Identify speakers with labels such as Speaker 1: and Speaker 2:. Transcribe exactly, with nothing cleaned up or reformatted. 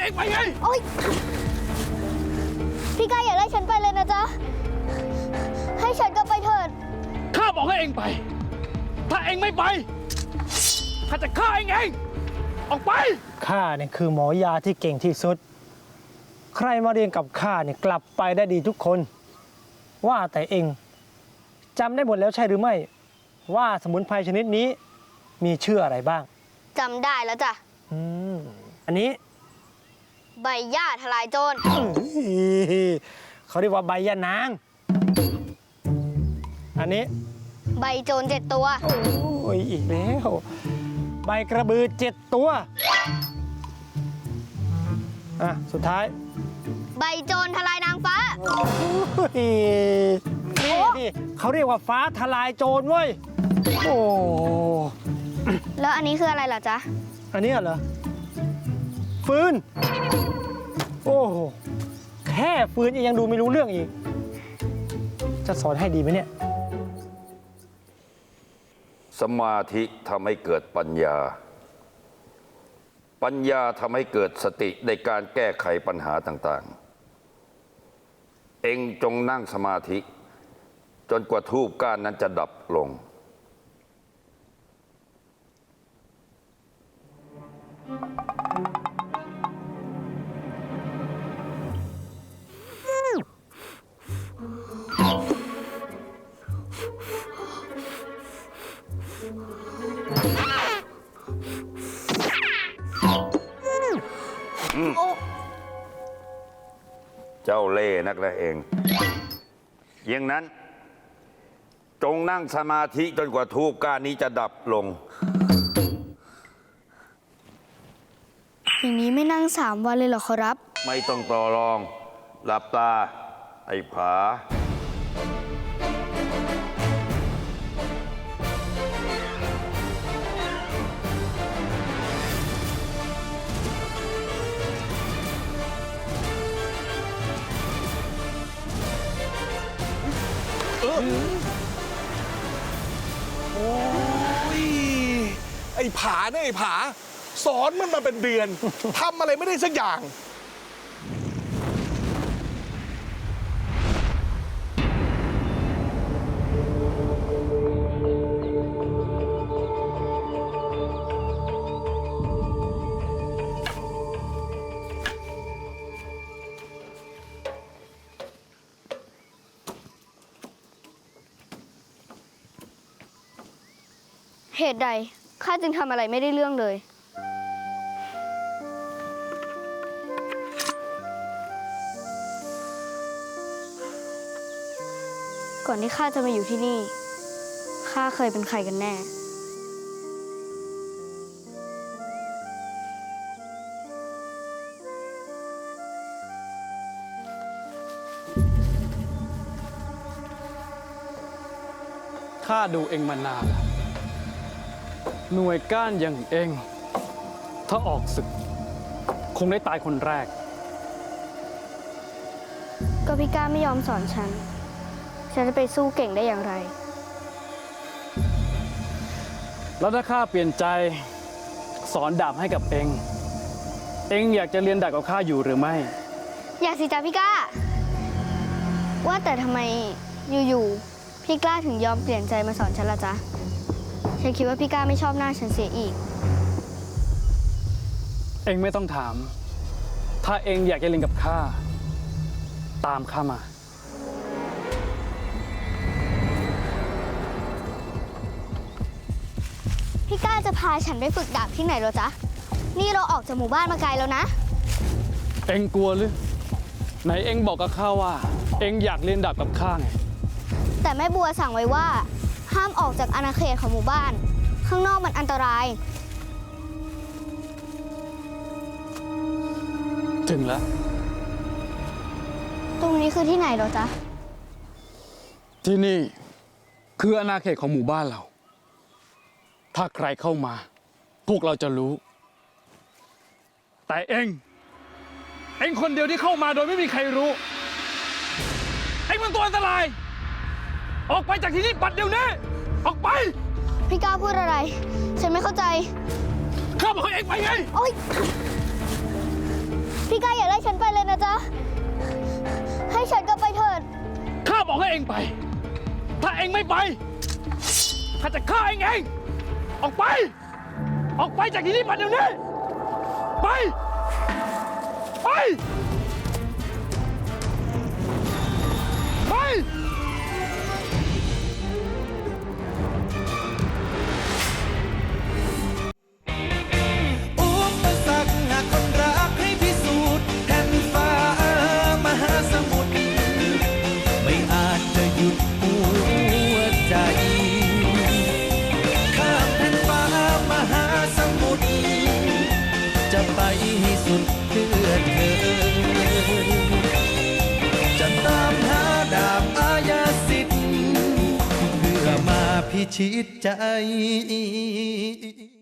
Speaker 1: องไปไง
Speaker 2: โอ๊ยพี่กายอย่าไล่ฉันไปเลยนะจ๊ะให้ฉันกลับไปเถิด
Speaker 1: ข้าบอกให้เองไปถ้าเองไม่ไปข้าจะฆ่าเองเองออกไป
Speaker 3: ข้าเนี่ยคือหมอยาที่เก่งที่สุดใครมาเรียนกับข้าเนี่ยกลับไปได้ดีทุกคนว่าแต่เองจำได้หมดแล้วใช่หรือไม่ว่าสมุนไพรชนิดนี้มีชื่ออะไรบ้าง
Speaker 2: จำได้แล้วจ้ะ
Speaker 3: อืมอันนี้
Speaker 2: ใบหญ้าทลายโจร
Speaker 3: เขาเรียกว่าใบยานางอันนี้
Speaker 2: ใบโจรเจ็ดตัว
Speaker 3: โอ้ยอีกแล้วใบกระบือเจ็ดตัวอ่ะสุดท้าย
Speaker 2: ใบโจรทลายนางฟ้า
Speaker 3: นี่นี่เขาเรียกว่าฟ้าทลายโจรเว้ยโอ้
Speaker 2: แล้วอันนี้คืออะไรล่ะจ๊ะ
Speaker 3: อันนี้เหรอฟืนโอ้แค่ฟืนยังดูไม่รู้เรื่องอีกจะสอนให้ดีไหมเนี่ย
Speaker 4: สมาธิทำให้เกิดปัญญาปัญญาทำให้เกิดสติในการแก้ไขปัญหาต่างๆเอ็งจงนั่งสมาธิจนกว่าธูปก้านนั้นจะดับลงเจ้าเล่ห์นักละเองอย่างนั้นจงนั่งสมาธิจนกว่าธูปก้านนี้จะดับลง
Speaker 2: อย่างนี้ไม่นั่งสามวันเลยเหรอขอรับ
Speaker 4: ไม่ต้องต่อรองหลับตาไอ้ผา
Speaker 1: โอ้ยไอ้ผาเนี่ยไอ้ผาสอนมันมาเป็นเดือนทำอะไรไม่ได้สักอย่าง
Speaker 2: เหตุใดข้าจึงทำอะไรไม่ได้เรื่องเลยก่อนที่ข้าจะมาอยู่ที่นี่ข้าเคยเป็นใครกันแน่
Speaker 1: ข้าดูเองมานานแล้วหน่วยก้านอย่างเองถ้าออกศึกคงได้ตายคนแรก
Speaker 2: ก็พี่ก้าไม่ยอมสอนฉันฉันจะไปสู้เก่งได้อย่างไร
Speaker 1: แล้วถ้าข้าเปลี่ยนใจสอนดาบให้กับเองเองอยากจะเรียนดาบกับข้าอยู่หรือไม่
Speaker 2: อยากสิจ้ะพี่ก้าว่าแต่ทำไมอยู่ๆพี่กล้าถึงยอมเปลี่ยนใจมาสอนฉันล่ะจ๊ะฉันคิดว่าพี่ก้าไม่ชอบหน้าฉันเสียอีก
Speaker 1: เองไม่ต้องถามถ้าเองอยากจะเรียนกับข้าตามข้ามา
Speaker 2: พี่ก้าจะพาฉันไปฝึกดาบที่ไหนเหรอจ๊ะนี่เราออกจากหมู่บ้านมาไกลแล้วนะ
Speaker 1: เองกลัวหรือไหนเองบอกกับข้าว่าเองอยากเรียนดาบกับข้าไง
Speaker 2: แต่แม่บัวสั่งไว้ว่าห้ามออกจากอาณาเขตของหมู่บ้านข้างนอกมันอันตราย
Speaker 1: ถึงแล้ว
Speaker 2: ตรงนี้คือที่ไหนเหรอจ๊ะ
Speaker 1: ที่นี่คืออาณาเขตของหมู่บ้านเราถ้าใครเข้ามาพวกเราจะรู้แต่เองเองคนเดียวที่เข้ามาโดยไม่มีใครรู้เองมันตัวอันตรายออกไปจากที่นี่ปัดเดี๋ยวนี้ออกไป
Speaker 2: พี่ก้าพูดอะไรฉันไม่เข้าใจ
Speaker 1: ข้าบอกให้เองไปไง
Speaker 2: โอ๊ย
Speaker 1: เองไป ถ้าเองไม่ไปข้าจะฆ่าเองเอง ออกไป ออกไปจากที่นี่ปัดเดี๋ยวนี้ ไป ไป ไป
Speaker 5: อุปสรรคหากคนรักให้พิสูจน์แผ่นฟ้ามหาสมุทรไม่อาจจะหยุดหัวใจข้ามแผ่นฟ้ามหาสมุทรจะไปให้สุดเพื่อเธอ จะตามหาดาบอาญาสิทธิ์เพื่อมาพิชิตใจ